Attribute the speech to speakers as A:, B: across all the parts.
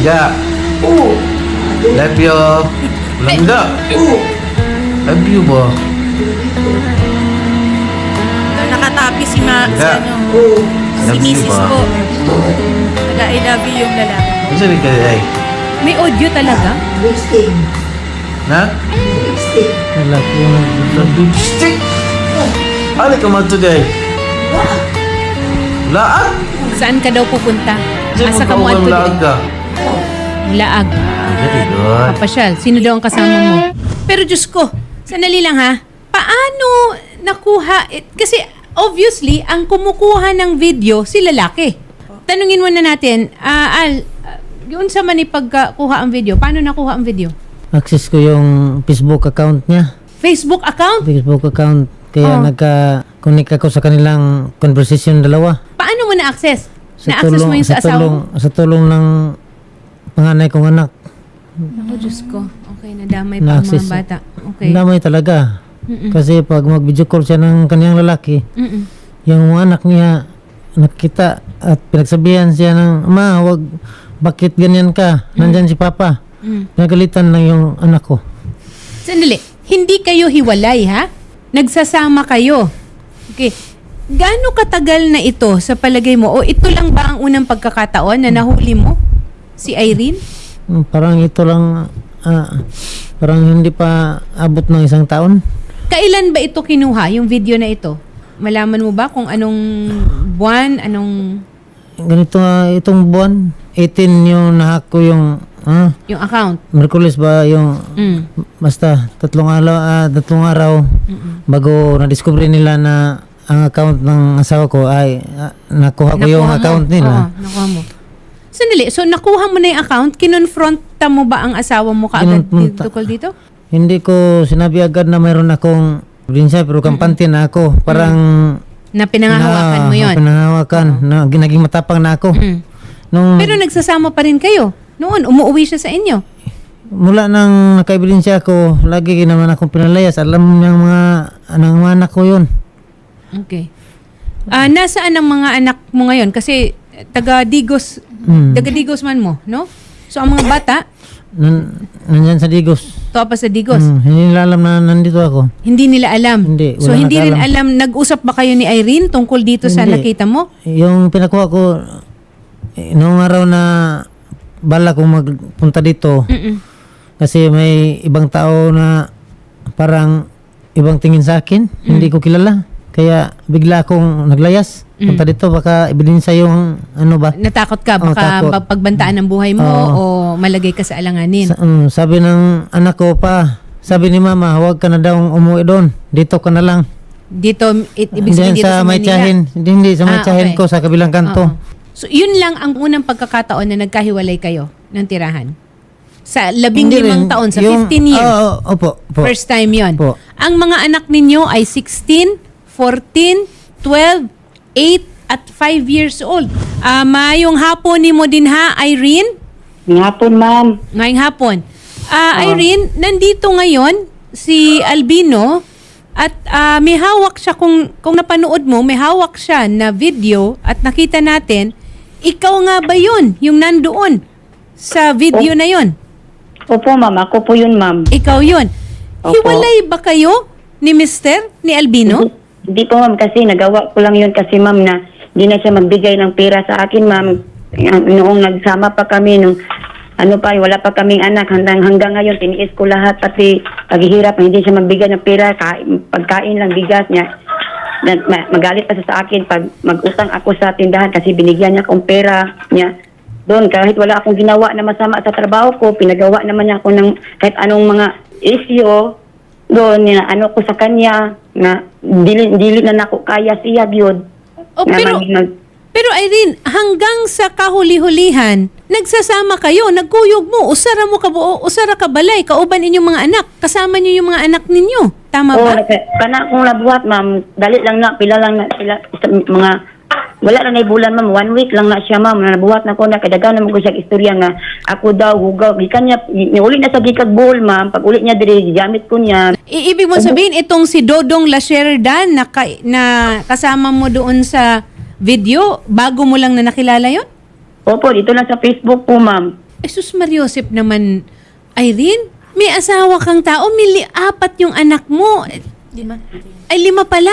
A: Langga. Love you. Langga. Love you ba?
B: Nakatapi si
A: Yeah.
B: si
A: Love you
B: Mrs.
A: ba?
B: po. I love you yung lalaki.
A: Ano sabi ka ay?
B: May audio talaga?
A: Na?
C: Lalaki yung
A: Lipstick? Ano ka man today? Laag?
B: Saan ka daw pupunta?
A: Kasi
B: Asa ka mo
A: magkaugang
B: ato
A: laag ka.
B: Laag.
A: Very good.
B: Papasyal. Sino daw ang kasama mo? Pero Diyos ko, sandali lang ha. Paano nakuha? Kasi obviously, ang kumukuha ng video, si lalaki. Tanungin muna natin, yun sa man ipagkuha ang video, paano nakuha ang video?
C: access ko yung Facebook account niya.
B: Facebook account?
C: Facebook account. Kaya
B: Oh.
C: nagka-connect ako sa kanilang conversation dalawa.
B: Paano mo na-access? Na-access mo yung sa asawa mo?
C: Sa tulong ng panganay kong anak.
B: Ako, Diyos ko. Okay, nadamay pa ang mga
C: Na-access.
B: bata. Okay.
C: Damay talaga.
B: Mm-mm.
C: Kasi pag mag-video call siya ng kaniyang lalaki,
B: Mm-mm.
C: yung mga anak niya nakita at pinagsabihan siya ng, Ma, wag, bakit ganyan ka? Nandyan si Papa. Nagalitan lang yung anak ko.
B: Sandali. Hindi kayo hiwalay, ha? Nagsasama kayo. Okay. Gaano katagal na ito sa palagay mo? O ito lang ba ang unang pagkakataon na nahuli mo? Si Irene?
C: Parang ito lang, parang hindi pa abot ng isang taon.
B: Kailan ba ito kinuha, yung video na ito? Malaman mo ba kung anong buwan, anong
C: Ganito nga, itong buwan, 18 yung nahak ko yung,
B: yung account?
C: Merkulis ba yung,
B: Mm.
C: basta tatlong araw bago na-discover nila na ang account ng asawa ko ay nakuha ko yung
B: Nakuha mo.
C: account nila.
B: Oo, nakuha mo. Sandali, so nakuha mo na yung account, kinonfronta mo ba ang asawa mo kaagad
C: Kinonfronta.
B: tukol dito?
C: Hindi ko sinabi agad na mayroon akong ebidensya pero kampante na ako. Parang
B: Na pinangahawakan mo yon.
C: Pinangahawakan. Naging matapang na ako.
B: Mm.
C: Nung,
B: Pero nagsasama pa rin kayo. Noon, umuwi siya sa inyo.
C: mula nang nakaebidensya ako, lagi naman akong pinalayas. Alam ng mga anak ko yun.
B: Okay. Nasaan ang mga anak mo ngayon? Kasi taga-Digos, taga-Digos man mo, no? So ang mga bata,
C: Nandyan sa Digos.
B: to pa sa Digos.
C: Hindi nila alam na nandito ako.
B: Hindi nila alam.
C: Hindi,
B: So
C: wala
B: hindi rin
C: nakaalam.
B: alam, nag-usap ba kayo ni Irene tungkol dito sa
C: Hindi.
B: nakita mo?
C: Yung pinakuha ko, noong araw na bala kong magpunta dito,
B: Mm-mm.
C: kasi may ibang tao na parang ibang tingin sa akin, hindi ko kilala. Kaya bigla akong naglayas. Punta dito, baka ebidensya yung ano ba.
B: Natakot ka,
C: Oo,
B: baka
C: takot.
B: pagbantaan ng buhay mo o malagay ka sa alanganin.
C: Sabi ng anak ko pa, sabi ni mama, huwag ka na daw umuwi doon. Dito ka na lang.
B: Dito, ibig sabihin
C: Diyan
B: dito
C: sa
B: sa
C: may
B: Manila.
C: tiyahin. Hindi, sa may tiyahin
B: okay.
C: ko sa kabilang kanto.
B: Oo. So yun lang ang unang pagkakataon na nagkahiwalay kayo ng tirahan. Sa 15
C: Hindi rin.
B: taon, sa
C: Yung-
B: 15 years.
C: Opo.
B: First time yon.
C: Po.
B: Ang mga anak ninyo ay 16, 14, 12, 8, at 5 years old. Mayong hapon ni mo din ha, Irene?
D: Ngapon, ma'am.
B: Ngayong hapon. Irene, nandito ngayon si Albino at may hawak siya, kung napanood mo, may hawak siya na video at nakita natin, ikaw nga ba yun, yung nandoon sa video na yun?
D: Opo, ma'am. Ako po yun, ma'am.
B: Ikaw yun.
D: Opo.
B: Hiwalay ba kayo ni Mr. ni Albino?
D: Hindi po, ma'am. Kasi nagawa ko lang yun kasi, ma'am, na hindi na siya magbigay ng pera sa akin, ma'am. Noong nagsama pa kami, nung wala pa kaming anak. Hanggang ngayon, tiniis ko lahat. Pati paghihirap, hindi siya magbigay ng pera. Pagkain lang, bigas niya. Magalit pa siya sa akin pag mag-utang ako sa tindahan kasi binigyan niya akong pera niya. Doon, kahit wala akong ginawa na masama sa trabaho ko, pinagawa naman niya ako ng kahit anong mga issue. Doon, ko sa kanya, na dili na ako kaya siya, yun.
B: Pero Irene, hanggang sa kahuli-hulihan, nagsasama kayo, nagkuyog mo, usara mo kabuo, usara ka balay, kauban inyong mga anak, kasama niyo yung mga anak ninyo. Tama ba?
D: Kana akong nabuhat, ma'am. Dali lang na, pila mga, wala na bulan, ma'am. 1 week lang na siya, ma'am. Nabuhat na ko na, kadaganan mo ko siya istorya nga, ako daw, hugaw. Gikan niya, uli na sa gikag buhol, ma'am. Pag uli niya, diri, gamit ko niya.
B: Ibig mo sabihin, itong si Dodong Lasherdan na kasama mo doon sa video, bago mo lang na nakilala yon?
D: Opo, dito lang sa Facebook po, ma'am.
B: Ay, sus Mariosep naman, Irene, may asawa kang tao, apat yung anak mo.
A: 5.
B: Ay, 5 pala.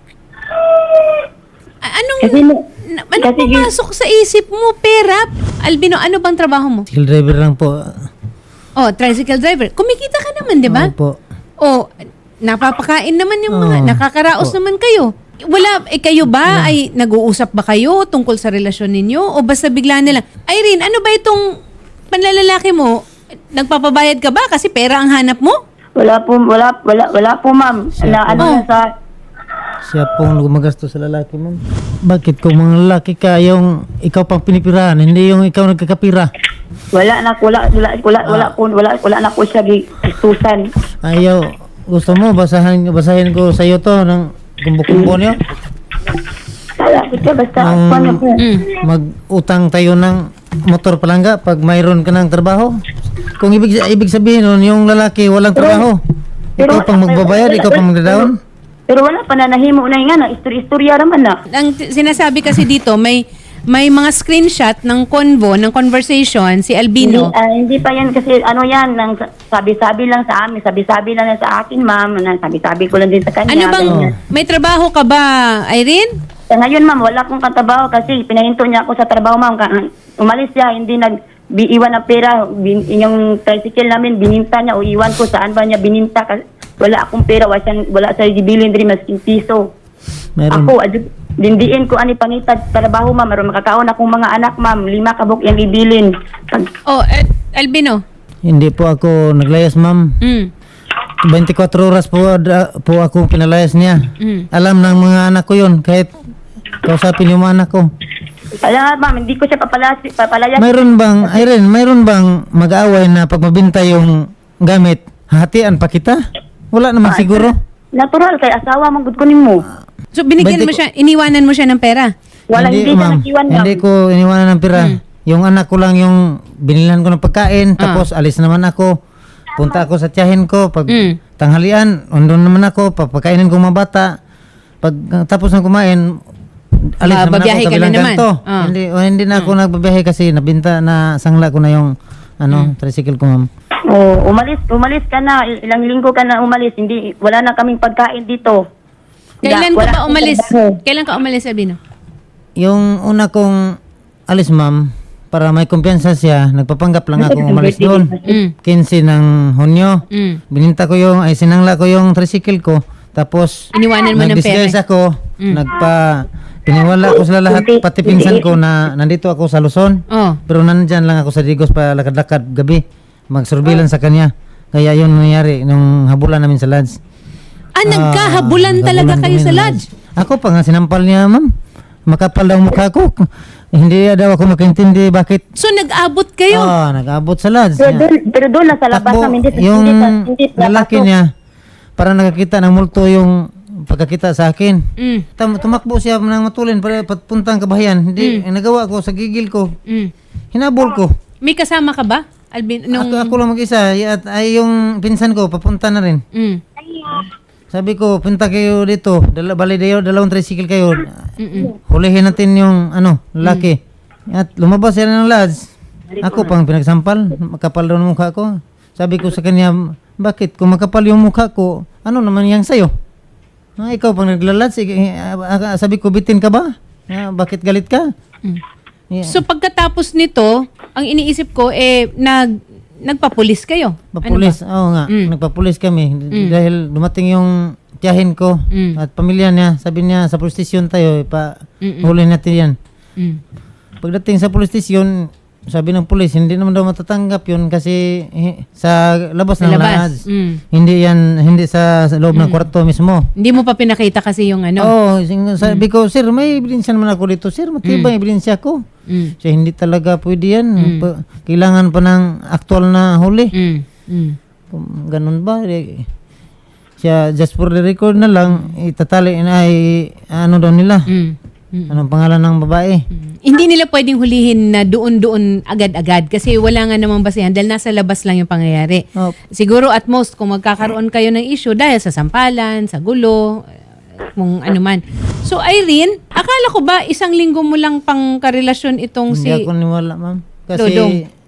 B: Anong,
D: Kasi,
B: anong
D: kasi
B: pumasok sa isip mo, pera? Albino, ano bang trabaho mo?
C: Skill driver lang po.
B: Oh, tricycle driver. Kumikita ka naman, di ba?
C: Opo.
B: Oh, napapakain naman yung mga,
C: Oo.
B: nakakaraos naman kayo. Wala, kayo ba ay nag-uusap ba kayo tungkol sa relasyon ninyo? O basta bigla na lang, Irene, ano ba itong panlalalaki mo? Nagpapabayad ka ba kasi pera ang hanap mo?
D: wala po, ma'am. Na ano
B: Oh.
D: na sa
C: Siya pong gumagastos sa lalaki mo. Bakit kung mga lalaki ka, yung ikaw pang pinipirahan, hindi yung ikaw nagkakapira?
D: wala na ko siya gistusan.
C: Ayaw, gusto mo, basahin ko sa iyo to ng kumbo-kumbo niyo?
D: Wala ko siya, basta
C: Nung
D: paano po.
C: mag-utang tayo ng motor palangga pag mayroon ka ng trabaho. Kung ibig sabihin nun, yung lalaki walang trabaho. Ikaw pang magbabayad, ikaw pang magdadaon.
D: Pero wala pa na nahimo na nga na istorya naman na.
B: Ang sinasabi kasi dito, may mga screenshot ng conversation si Albino.
D: Hindi pa yan kasi ano yan, nang sabi-sabi lang sa amin, sabi-sabi lang sa akin, ma'am, sabi-sabi ko lang din sa kanya.
B: Ano bang,
D: ganyan.
B: may trabaho ka ba, Irene?
D: Ngayon, ma'am, wala akong katrabaho kasi pinahinto niya ako sa trabaho, ma'am. Umalis siya, hindi iwan ng pera. Yung tricycle namin, bininta niya o iwan ko saan ba niya bininta. Kasi wala akong pera, wala sa gibilin din masking piso.
C: Meron.
D: Ako, dindiin ko ani panitad trabaho, ma'am. Maroon makakaon akong mga anak, ma'am. 5 kabuk yung ibilin.
B: Oh, Albino.
C: Hindi po ako naglayas, ma'am. 24 oras po ako pinalayas niya. Alam ng mga anak ko yun, kahit kausapin yung mga anak ko.
D: Kaya nga, ma'am, hindi ko siya papalayas.
C: Mayroon bang, Irene, mayroon bang mag-aaway na pag mabinta yung gamit, hatian pa kita? Wala naman siguro.
D: Natural, kay asawa mong gudkunin mo.
B: So, binigyan mo siya, iniwanan mo siya ng pera?
D: Wala, hindi siya
C: ma'am.
D: nag-iwan, ma'am.
C: Hindi ko iniwanan ng pera. Yung anak ko lang yung binilhan ko ng pagkain, tapos alis naman ako. Punta ako sa tiyahin ko, pag tanghalian, andun naman ako, papakainin ko mga bata. Pag tapos na kumain, alis naman
B: Babiyahe
C: ako
B: ka na
C: kabilang
B: naman.
C: kanto. Hindi na ako nagbabiyahe kasi nabinta na sangla ko na yung tricycle ko, ma'am.
D: Oh, umalis ka na. Ilang linggo ka na umalis. Hindi, wala na kaming pagkain dito.
B: Kailan ka
D: Wala
B: ba
D: akong
B: umalis?
D: trabaho.
B: Kailan ka umalis, Albino?
C: Yung una kong alis, ma'am, para may kumpiyansa siya, nagpapanggap lang ako umalis doon. 15 ng Hunyo. Bininta ko sinangla ko yung tricycle ko. Tapos,
B: Iniwanan mo ng pera.
C: nag-disguise ako. Piniwala ko sila lahat, pati pinsan ko na nandito ako sa Luzon.
B: Oh.
C: Pero nandyan lang ako sa Digos pa lakad-lakad gabi. Mag-surveillance sa kanya. Kaya yun nangyari nung habulan namin sa lodge.
B: Nagkahabulan talaga kayo
C: kami
B: sa
C: ng
B: lodge?
C: Ako pa nga sinampal niya, ma'am. Makapal daw mukha ko. Hindi daw ako makaintindi bakit.
B: So, nag-abot kayo?
C: Nag-abot sa lodge.
D: Pero doon lang sa labas
C: Takbo,
D: namin.
C: yung
D: Hindi
C: lalaki niya, parang nakakita ng multo yung pagkakita sa akin. Tumakbo siya ng matulin para papuntang kabahayan. Hindi, nagawa ko sa gigil ko. Hinabol ko.
B: May kasama ka ba, Albino?
C: Ako lang mag-isa. Ay yung pinsan ko, papunta na rin. Sabi ko, punta kayo dito. Bali dalawang tricycle kayo. Hulihin natin yung lalaki. At lumabas siya ng lodge. Ako pang pinagsampal. Makapal daw ng mukha ko. Sabi ko sa kanya, bakit? Kung makapal yung mukha ko, ano naman yang sa'yo? Ikaw pang naglalodge. Sabi ko, bitin ka ba? Bakit galit ka? Yeah.
B: So, pagkatapos nito, ang iniisip ko, nagpapulis kayo.
C: Papulis,
B: Ano ba?
C: oo nga. Nagpapulis kami. Dahil dumating yung tiyahin ko at pamilya niya. Sabi niya, sa police station tayo, huli natin yan. Pagdating sa police station, sabi ng pulis, hindi naman daw matatanggap yun kasi sa labas ng lodge. Hindi sa loob ng kwarto mismo.
B: Hindi mo pa pinakita kasi yung
C: Sabi ko, sir, may ebidensya naman ako dito. Sir, matibay ebidensya ko. Siya, hindi talaga pwede yan. Kailangan pa ng aktual na huli. Kung ganun ba? Siya, just for the record na lang, itatali na daw nila. Anong pangalan ng babae?
B: Hindi nila pwedeng hulihin na doon agad-agad kasi wala nga namang basehan dahil nasa labas lang yung pangyayari. Siguro at most kung magkakaroon kayo ng issue dahil sa sampalan, sa gulo, kung ano man. So Irene, akala ko ba 1 linggo mo lang pang karelasyon itong
C: Hindi ako niwala, ma'am. Kasi
B: Dodong.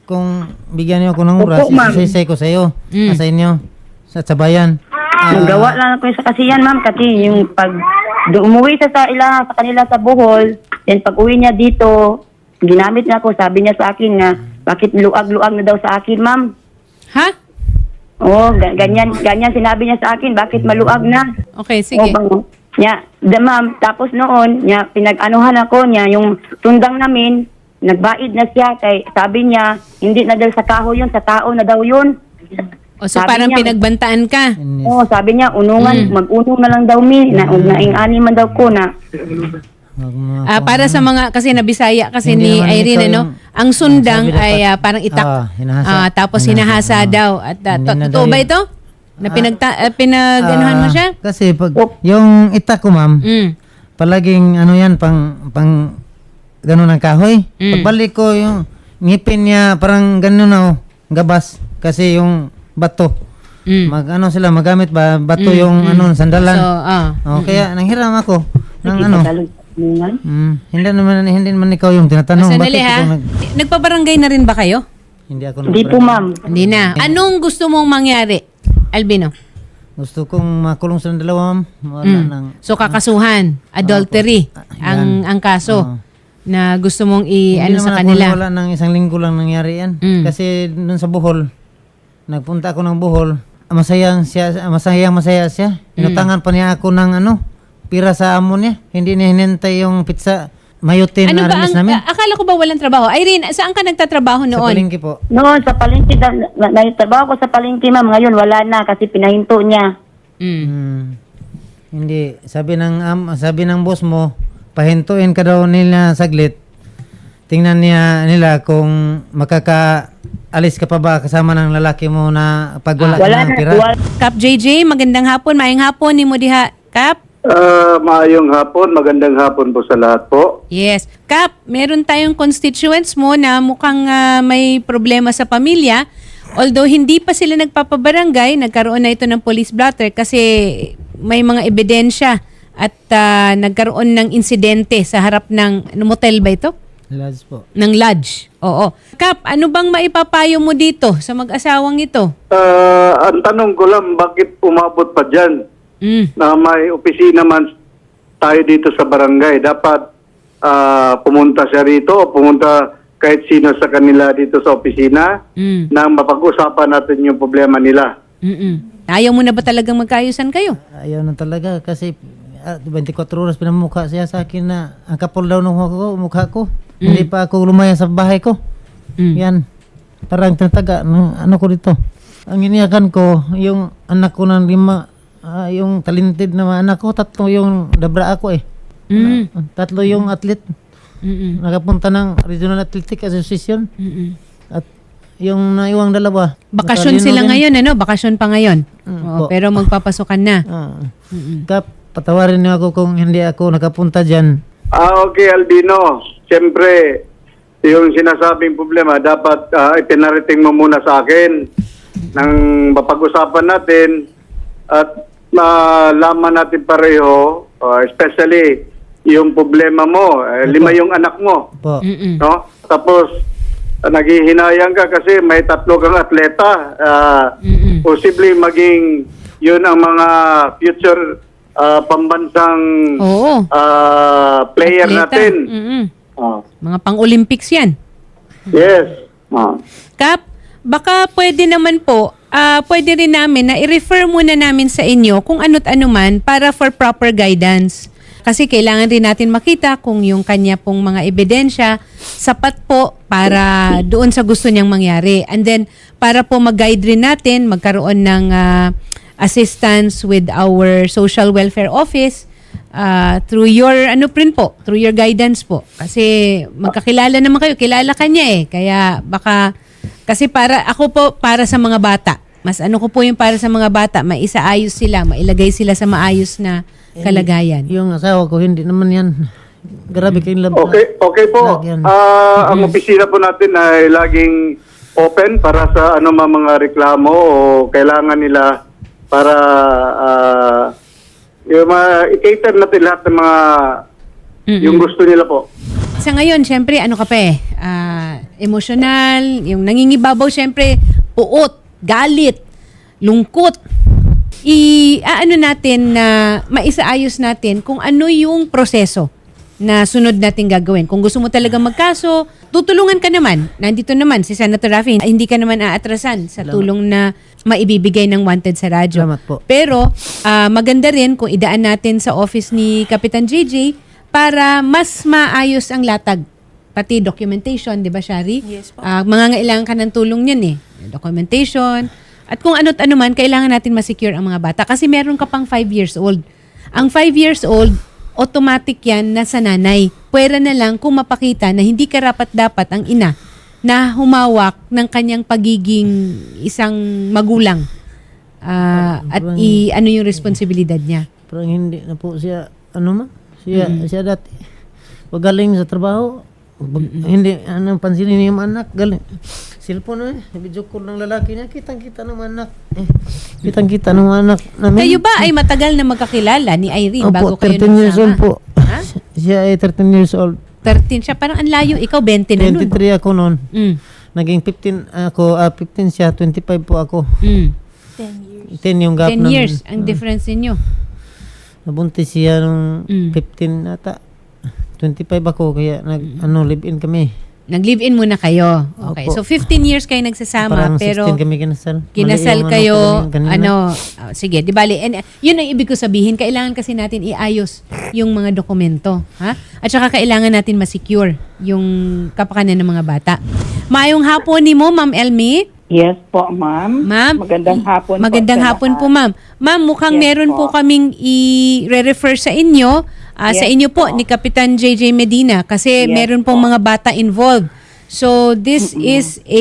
C: kung bigyan niyo ako ng oras,
D: Opo, ma'am.
C: isasay ko sa iyo, sa inyo, sa bayan.
D: Nagawa lang ako sa kasiyan, ma'am, kasi yung pag umuwi sa kanila sa Bohol, then pag uwi niya dito, ginamit niya ako, sabi niya sa akin na bakit luag-luag na daw sa akin, ma'am.
B: Ha?
D: Oo, ganyan sinabi niya sa akin, bakit maluag na?
B: Okay, sige.
D: Ma'am, tapos noon, pinag-anuhan ako niya, yung tundang namin, nagbaid na siya, kay sabi niya, hindi na daw sa kahoy yun, sa tao na daw yun.
B: O so
D: Sabi
B: parang
D: niya-
B: pinagbantaan ka.
D: Oo, sabi niya, unungan, mag-unong na lang daw naing-ani man daw ko na.
B: Para sa mga, kasi nabisaya kasi
C: Hindi
B: ni
C: naman
B: Irene,
C: ikaw
B: ano,
C: yung-
B: ang sundang
C: sabi dapat-
B: ay parang itak.
C: hinahasa.
B: Tapos hinahasa daw. At
C: Hindi na
B: totoo
C: daw
B: ba
C: yun.
B: ito? Na pinag-anuhan mo siya?
C: Kasi pag, yung itak ko, ma'am,
B: Mm.
C: palaging ano yan, pang gano'n ang kahoy.
B: Mm.
C: Pagbalik ko, yung ngipin niya, parang gano'n na, gabas. Kasi yung bato.
B: Mm.
C: Sila, magamit ba? Bato yung sandalan.
B: So,
C: Kaya nanghiram ako ng ano.
D: Unungan?
C: Hindi naman ikaw yung tinatanong.
B: Sandali
C: Bakit
B: ha.
C: ikaw
B: Nagpabarangay na rin ba kayo?
C: hindi ako
D: Hindi po, ma'am.
B: Hindi na. Anong gusto mong mangyari, Albino?
C: Gusto kong makulong sa dalawa, ma'am. Wala nang...
B: So kakasuhan, adultery ang kaso na gusto mong
C: Hindi
B: sa
C: naman ako
B: kanila.
C: wala ng isang linggo lang nangyari yan. Kasi dun sa Bohol, nagpunta ako ng Bohol, masaya siya. Inutangan pa niya ako ng pira sa amo niya. Hindi niya hinintay yung pizza mayotin
B: Ano
C: na
B: ba
C: release
B: ang,
C: namin.
B: akala ko ba walang trabaho? Irene, saan ka nagtatrabaho
C: Sa
B: noon?
C: palengke po.
D: Noon, sa palengke, nagtrabaho ko sa palengke, ma'am. Ngayon, wala na kasi pinahinto niya.
C: Hindi. Sabi ng boss mo, pahintuin ka daw nila saglit. Tingnan nila kung makakaalis ka pa ba kasama ng lalaki mo na pag wala
D: Wala
C: ng
D: na.
C: pira.
B: Kap JJ, magandang hapon, maayong hapon ni mo diha. Kap?
E: Maayong hapon, magandang hapon po sa lahat po.
B: Yes. Kap, meron tayong constituents mo na mukhang may problema sa pamilya. Although hindi pa sila nagpapabarangay, nagkaroon na ito ng police blotter kasi may mga ebidensya at nagkaroon ng insidente sa harap ng motel ba ito?
C: Lads po.
B: Ng lodge. Oo. Kap, ano bang maipapayo mo dito sa mag-asawang ito?
E: Ang tanong ko lang, bakit umabot pa dyan na may opisina man tayo dito sa barangay? Dapat pumunta siya rito o pumunta kahit sino sa kanila dito sa opisina na mapag-usapan natin yung problema nila.
B: Ayaw mo na ba talagang magkaayusan kayo?
C: Ayaw na talaga kasi 24 oras pinamukha siya sa akin na ang kapal daw ng mukha ko. Hindi pa ako lumaya sa bahay ko. Yan. Parang tinataga ano ko dito. Ang iniyakan ko, yung anak ko ng 5, yung talented na mga anak ko, 3 yung dabra ako eh. 3 yung athlete. Nakapunta ng Regional Athletic Association. At yung naiwang 2.
B: Bakasyon sila ngayon, ano? Bakasyon pa ngayon.
C: po.
B: Pero magpapasukan na.
C: Kap, patawarin niyo ako kung hindi ako nakapunta dyan.
E: Okay, Albino. Siyempre, yung sinasabing problema, dapat itinarating mo muna sa akin nang mapag-usapan natin at malaman natin pareho, especially yung problema mo, 5 yung anak mo.
C: Po.
E: No? Tapos, naghihinayang ka kasi may 3 kang atleta. Posible maging yun ang mga future pambansang
B: Oo.
E: player
B: Atleta.
E: natin.
B: Mga pang-Olympics yan.
E: Yes.
B: Kap, baka pwede naman po, pwede rin namin na i-refer muna namin sa inyo kung ano't ano man para for proper guidance. Kasi kailangan rin natin makita kung yung kanya pong mga ebidensya sapat po para doon sa gusto niyang mangyari. And then, para po mag-guide rin natin, magkaroon ng assistance with our social welfare office through your through your guidance po. Kasi magkakilala naman kayo, kilala kanya eh. Kaya baka kasi para sa mga bata. Mas ko po yung para sa mga bata, maisaayos sila, mailagay sila sa maayos na kalagayan.
C: Yung asawa ko, hindi naman yan. Grabe kayong labas.
E: Okay po. Ang opisina po natin ay laging open para sa mga reklamo o kailangan nila para i-cater natin lahat ng mga yung gusto nila po.
B: Sa ngayon, syempre, ano ka pa Emosyonal, yung nangingibabaw syempre, puot, galit, lungkot. Ano natin na maisaayos natin kung ano yung proseso na sunod natin gagawin. Kung gusto mo talaga magkaso, tutulungan ka naman. Nandito naman si Senator Raffy, hindi ka naman aatrasan sa tulong na maibibigay ng Wanted sa radyo.
C: Salamat po.
B: Pero maganda rin kung idaan natin sa office ni Kapitan JJ para mas maayos ang latag. Pati documentation, di ba, Shari?
F: Yes po.
B: Mangangailangan ka ng tulong yan eh. Documentation. At kung ano't ano man, kailangan natin ma-secure ang mga bata. Kasi meron ka pang 5 years old. Ang 5 years old, automatic yan na sa nanay. Pwera na lang kung mapakita na hindi karapat-dapat ang ina na humawak ng kanyang pagiging isang magulang. At ano yung responsibilidad niya.
C: Parang hindi na po siya, siya dati. Pag galing sa trabaho, hindi, pansinin yung anak, galing. Cellphone video call ng lalaki niya, kitang-kita ng anak. Kitang-kita ng anak namin.
B: Kayo ba ay matagal na magkakilala ni Irene bago
C: Opo,
B: kayo
C: 13 years old
B: nagsama?
C: po.
B: Ha?
C: Siya ay 13 years old.
B: 13 siya. Parang ang layo. Ikaw 20 na nun.
C: 23 ako noon.
B: Mm.
C: Naging 15 ako, 15 siya, 25 po ako.
B: Mm.
F: 10 years.
C: 10 yung gap
B: 10 years ang difference ninyo.
C: Nabuntis siya nung
B: Mm.
C: 15 ata. 25 ako, kaya live-in kami.
B: Nag-live-in muna kayo. Okay.
C: Opo.
B: So 15 years kayo nagsasama
C: Parang
B: pero
C: 16 kami kinasal.
B: kinasal
C: Mali yung
B: kayo
C: ko kanina.
B: sige, di bali. And yun ang ibig ko sabihin, kailangan kasi natin iayos yung mga dokumento, ha? At saka kailangan natin ma-secure yung kapakanan ng mga bata. Maayong hapon ni mo, Ma'am Elmi.
G: Yes po, ma'am.
B: Ma'am,
G: Magandang hapon
B: Magandang
G: po.
B: hapon po, ma'am. Ma'am, mukhang
G: Yes
B: meron po
G: po.
B: kaming i-refer sa inyo, sa
G: Yes
B: inyo po,
G: po.
B: ni Kapitan JJ Medina, kasi
G: Yes
B: meron pong
G: po.
B: mga bata involved. So, this is a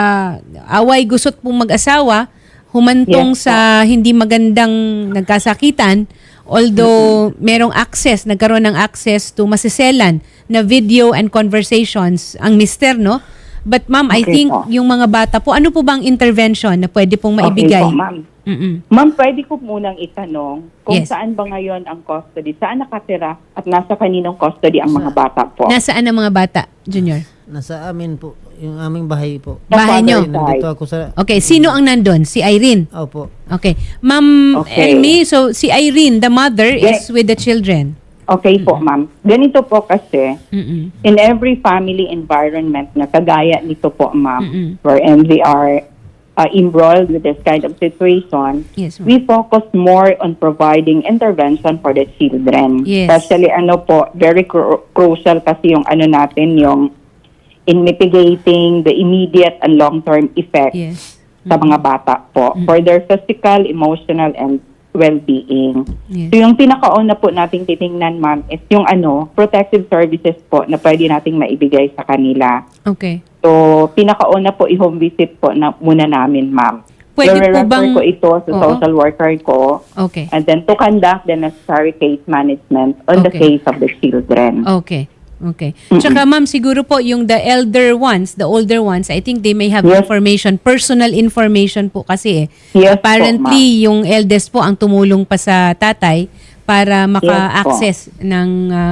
B: away gusot pong mag-asawa, humantong
G: Yes po.
B: sa hindi magandang nagkasakitan, although merong access, nagkaroon ng access to masiselan na video and conversations ang mister, no? But ma'am, I
G: Okay
B: think
G: po.
B: yung mga bata po, ano po bang intervention na pwede pong maibigay?
G: Okay po, ma'am.
B: Mm-mm.
G: Ma'am, pwede ko munang itanong kung
B: Yes.
G: saan ba ngayon ang custody? Saan nakatira at nasa kaninong custody ang mga bata po?
B: Nasaan ang mga bata, Junior?
C: Nasa amin po, yung aming bahay po.
B: Bahay nyo?
C: Nandito ako sa...
B: Okay, sino ang nandun? Si Irene?
C: Opo.
B: Okay. Ma'am
G: Okay.
B: Elmi, so si Irene, the mother, is
G: Yes.
B: with the children.
G: Okay po, ma'am. Ganito po kasi,
B: Mm-mm.
G: in every family environment na kagaya nito po, ma'am,
B: Mm-mm.
G: wherein we are embroiled with this kind of situation,
B: Yes, ma'am.
G: we focus more on providing intervention for the children.
B: Yes.
G: Especially very crucial kasi yung natin, yung in mitigating the immediate and long-term effects
B: Yes.
G: sa mga bata po for their physical, emotional, and well-being.
B: Yes.
G: So yung pinakauna po nating titingnan, ma'am, is yung protective services po na pwede nating maibigay sa kanila.
B: Okay.
G: So, pinakauna po i-home visit po na muna namin, ma'am.
B: Pwede po
G: I-refer
B: bang-
G: ko ito sa
B: Oo.
G: social worker ko
B: Okay.
G: and then to conduct the necessary case management on the
B: Okay.
G: case of the children.
B: Okay. Okay. Tsaka ma'am, siguro po yung the elder ones, the older ones, I think they may have
G: Yes.
B: information, personal information po kasi
G: Yes po,
B: apparently yung eldest po ang tumulong pa sa tatay para maka-access ng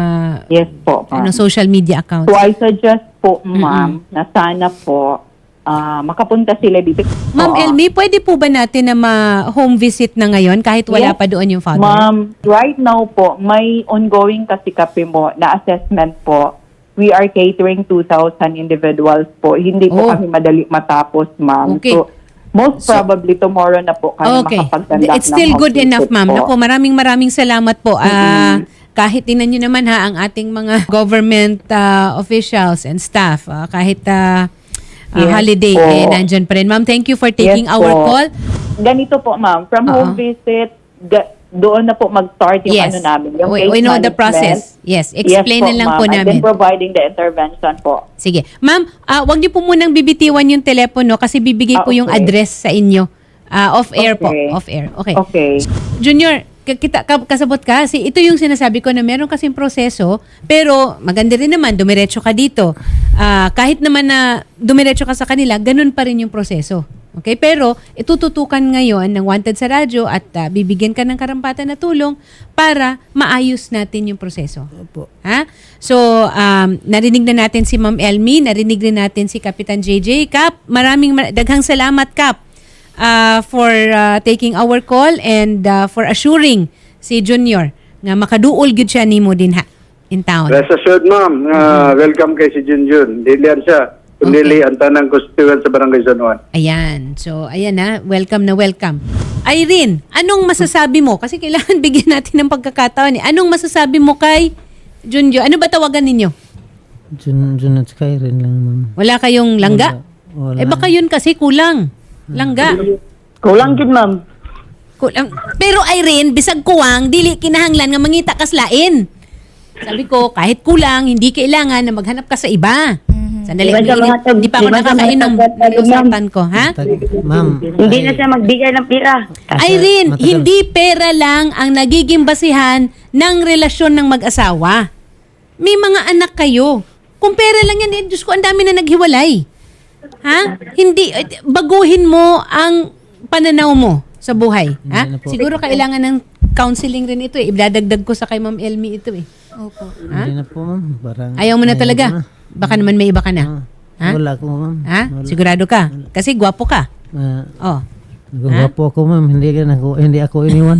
G: Yes po, ma'am.
B: social media accounts.
G: So, I suggest po, ma'am, na sana po makapunta sila dito.
B: Ma'am
G: Oo.
B: Elmi, pwede po ba natin na ma-home visit na ngayon kahit wala
G: Yes,
B: pa doon yung father?
G: Ma'am, right now po, may ongoing kasi kape mo na assessment po. We are catering 2,000 individuals po. Hindi po
B: Oh.
G: kami madali matapos, ma'am.
B: Okay.
G: So, most probably tomorrow na po kami
B: Okay.
G: makapag-conduct
B: It's still
G: ng
B: good
G: home
B: enough,
G: visit
B: ma'am.
G: po.
B: Naku, maraming salamat po. Kahit tingnan nyo naman ha, ang ating mga government officials and staff, kahit
G: Yes
B: holiday,
G: po.
B: nandyan pa rin. Ma'am, thank you for taking
G: Yes
B: our
G: po.
B: call.
G: Ganito po, ma'am. From
B: Oo.
G: home visit, doon na po mag-start yung
B: Yes.
G: namin. Yung
B: We
G: case
B: know the
G: management.
B: process. Yes, explain na lang
G: ma'am.
B: po
G: And
B: namin.
G: then providing the intervention po.
B: Sige. Ma'am, wag niyo po munang bibitiwan yung telepono kasi bibigay po yung
G: Okay.
B: address sa inyo. Off-air po.
G: Okay.
B: Off-air. Okay.
G: Okay.
B: Junior, kasabot ka kasi ito yung sinasabi ko na meron kasing proseso pero maganda rin naman dumiretso ka dito. Kahit naman na dumiretso ka sa kanila, ganun pa rin yung proseso. Okay? Pero itututukan ngayon ng Wanted sa radyo at bibigyan ka ng karampatan na tulong para maayos natin yung proseso.
C: Opo.
B: Ha? So, narinig na natin si Ma'am Elmi, narinig din natin si Kapitan JJ. Kap, daghang salamat, Kap, for taking our call and for assuring si Junior nga makaduol gyud siya nimo din ha in town.
E: Rest assured, ma'am, welcome kay si Junjun. Dilian siya. Kundi ang tanang constituent sa Barangay San Juan.
B: Ayan. So, ayan na. Welcome na welcome. Irene, anong masasabi mo? Kasi kailangan bigyan natin ng pagkakataon. Anong masasabi mo kay Junjo? Ano ba tawagan ninyo?
C: Jun at Skyrim lang, ma'am.
B: Wala kayong langga?
C: Wala.
B: Baka yun kasi kulang. Langga.
D: Kulang gid ma'am.
B: Kulang. Pero Irene, bisag kuwang, dili kinahanglan nga mangita kaslain. Sabi ko, kahit kulang, hindi kailangan na maghanap ka sa iba. Sandali,
D: Iba sa mga
B: hindi pa ako
D: iba sa mga
B: nakakainom.
D: tagbatag,
B: Usapan ko, ha?
C: Ma'am.
D: Hindi na siya magbigay ng pira.
B: Irene,
C: matagal.
B: hindi pera lang ang nagiging basihan ng relasyon ng mag-asawa. May mga anak kayo. Kung pera lang yan, Diyos ko, ang dami na naghiwalay. Ha? Hindi, baguhin mo ang pananaw mo sa buhay. Ha?
C: na po.
B: Siguro kailangan ng counseling rin ito eh. Idadagdag ko sa kay Ma'am Elmi ito eh.
F: Opo.
C: Hindi na po, ma'am. Parang,
B: Ayaw mo na talaga. Baka naman may iba ka na. Ha?
C: Wala ko, ma'am.
B: Ha?
C: Wala.
B: Sigurado ka? Kasi gwapo ka. Oh.
C: Gwapo ako, ma'am. Hindi ako iniwan.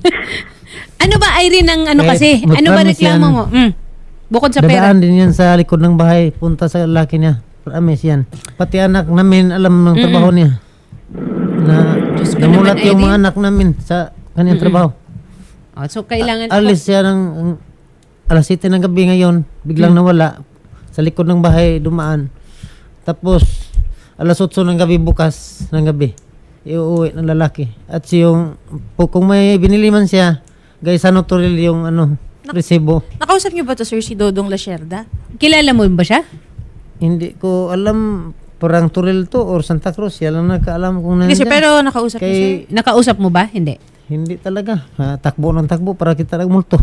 B: Ano ba, Irene, ang ano
C: Kahit
B: kasi? Ano ba
C: mag-promise
B: reklamo
C: yan.
B: mo? Bukod sa pera.
C: Dadaan din yan sa likod ng bahay. Punta sa laki niya. Promise yan. Pati anak namin, alam ng trabaho niya. Na
B: Diyos ko
C: namulat
B: naman,
C: yung
B: Irene.
C: mga anak namin sa kanyang trabaho.
B: Oh, so, kailangan...
C: Alis siya ng alas 7 ng gabi ngayon. Biglang nawala. Sa likod ng bahay, dumaan. Tapos, alas 8 ng gabi bukas ng gabi. Iuwi ng lalaki. At yung, kung may binili man siya, guys, ano turil yung resibo.
F: Nakausap niyo ba to, sir, si Dodong Lasierda?
B: Kilala mo ba siya?
C: Hindi ko alam, parang turil to or Santa Cruz. Yan lang nakaalam kung
F: Hindi,
C: nandiyan.
F: sir, pero nakausap niyo, sir.
C: Kay,
B: Nakausap mo ba? Hindi.
C: hindi talaga. Takbo ng takbo para kita nagmulto.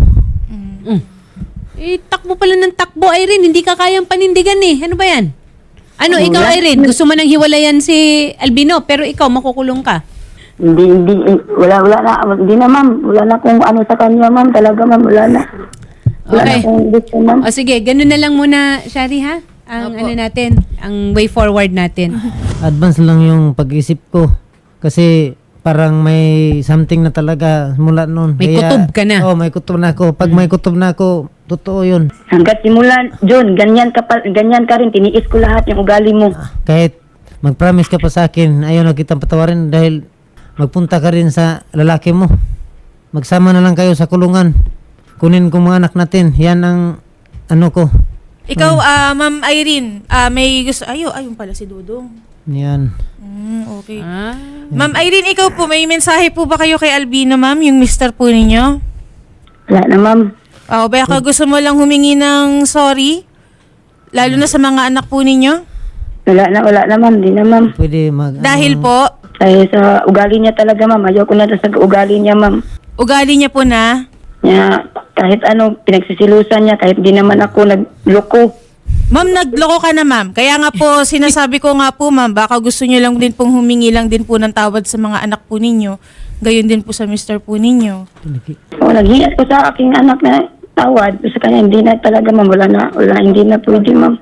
B: Takbo pala ng takbo, Irene. Hindi ka kayang panindigan eh. Ano ba yan? Ano, ikaw, Irene, gusto mo nang hiwalayan si Albino, pero ikaw, makukulong ka.
D: Wala na, hindi na ma'am. Wala na kung ano sa kanya ma'am. Talaga ma'am, wala na. Wala
B: Okay.
D: na kung gusto ma'am.
B: O sige, ganun na lang muna, Shari, ha? Ang ano natin, ang way forward natin.
C: Advance lang yung pag-isip ko. Kasi parang may something na talaga mula noon.
B: May kutob ka na.
C: Oh, may kutob na ako. Pag may kutob na ako, totoo yun.
D: Hanggat simulan, John, ganyan ka rin. Tiniis ko lahat yung ugali mo.
C: Kahit mag-promise ka pa sa akin, ayaw na kitang patawarin dahil magpunta ka rin sa lalaki mo. Magsama na lang kayo sa kulungan. Kunin ko mga anak natin. Yan ang ano ko.
F: Ikaw, Ma'am Irene, may gusto... Ayun pala si Dodong.
C: Yan.
F: Okay.
B: Ah.
F: Ma'am Irene, ikaw po, may mensahe po ba kayo kay Albino, ma'am? Yung mister po ninyo?
D: Wala na ma'am.
F: Baka gusto mo lang humingi ng sorry? Lalo na sa mga anak po ninyo?
D: Wala na ma'am. Di na ma'am.
C: Pwede
F: Dahil po,
D: Dahil sa ugali niya talaga ma'am. Ayaw ko na sa ugali niya ma'am.
F: ugali niya po na...
D: Kahit pinagsisilusan niya, kahit di naman ako nagloko.
F: Ma'am, nagloko ka na, ma'am. Kaya nga po, sinasabi ko nga po, ma'am, baka gusto niyo lang din pong humingi lang din po ng tawad sa mga anak po ninyo. Gayon din po sa mister po ninyo.
D: Naghias ko sa aking anak na tawad. Sa kanya, hindi na talaga ma'am. Wala, hindi na pwede ma'am.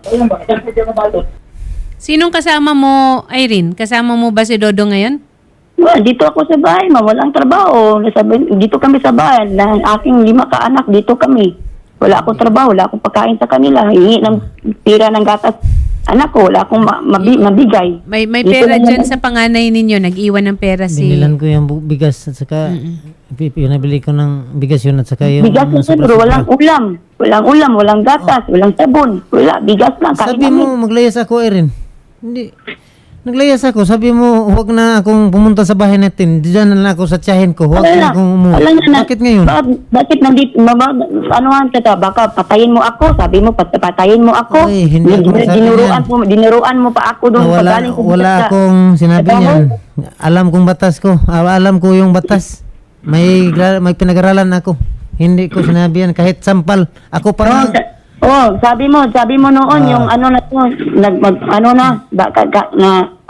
B: Sinong kasama mo, Irene? Kasama mo ba si Dodo ngayon?
D: Dito ako sa bahay ma'am. Walang trabaho. Dito kami sa bahay. Ng aking 5 kaanak, dito kami. Wala akong trabaho. Wala akong pagkain sa kanila. Hingi ng tira ng gatas. Anak ko, wala akong mabigay.
B: May
D: Dito
B: pera
D: na
B: dyan
D: naman.
B: sa panganay ninyo. Nag-iwan ng pera si...
C: Binilan ko yung bigas at saka pinabili ko ng bigas yun at saka yung
D: Bigas na
C: sobra-sobra.
D: pero walang ulam. Walang ulam, walang gatas, walang sabon. Wala, bigas lang. Kain
C: Sabi
D: namin.
C: mo maglayas ako, Erin. Hindi. Naglayas ako. Sabi mo huwag na akong pumunta sa bahay natin. Diyan na lang ako sa tiyahin ko. Huwag na akong umuwi. Bakit ngayon?
D: Bakit nandito? Anuhan ka? Baka patayin mo ako. Sabi mo, patayin mo ako.
C: Ay, hindi ako masabi
D: Dinuruan mo pa ako doon.
C: Wala akong sinabi niyan. Alam kong batas ko. Alam ko yung batas. May pinag-aralan ako. Hindi ko sinabi yan. Kahit sampal. Ako pa
D: sabi mo noon yung ano na to,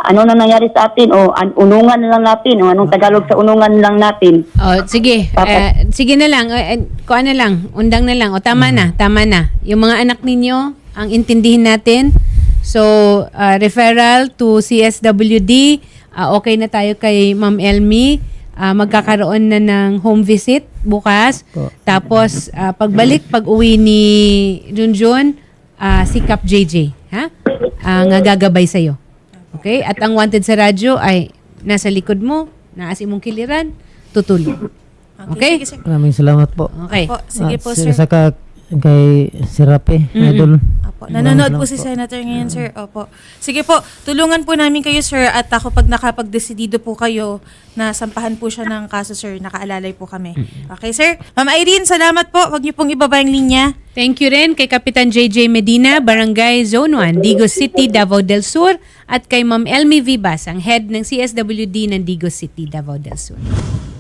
D: ano na nangyari sa atin o unungan na lang natin o anong Tagalog sa unungan lang natin.
B: Oh, sige. Sige na lang. Kuha na lang. Undang na lang. O tama na. Tama na. Yung mga anak ninyo, ang intindihin natin. So, referral to CSWD. Okay na tayo kay Ma'am Elmi. Magkakaroon na ng home visit bukas. Tapos, pag-uwi ni Junjun, si Kap JJ. Ha? Ang gagabay sa'yo. Okay? At ang wanted sa radyo ay nasa likod mo, naas imong kiliran, tutulong. Okay?
F: Sige, sir.
C: Maraming salamat po.
B: Okay.
F: Po, sige po,
C: At
F: sir.
C: Saka kay Sirape, idol.
F: Opo. Nanonood po si Senator ngayon, sir. Opo. Sige po, tulungan po namin kayo, sir. At ako pag nakapag-desidido po kayo na sampahan po siya ng kaso, sir, nakaalalay po kami. Okay, sir? Ma'am Irene, salamat po. Huwag niyo pong ibaba yung linya.
B: Thank you rin kay Kapitan JJ Medina, Barangay Zone 1, Digos City, Davao del Sur, at kay Ma'am Elmi Vivas, ang head ng CSWD ng Digos City, Davao del Sur.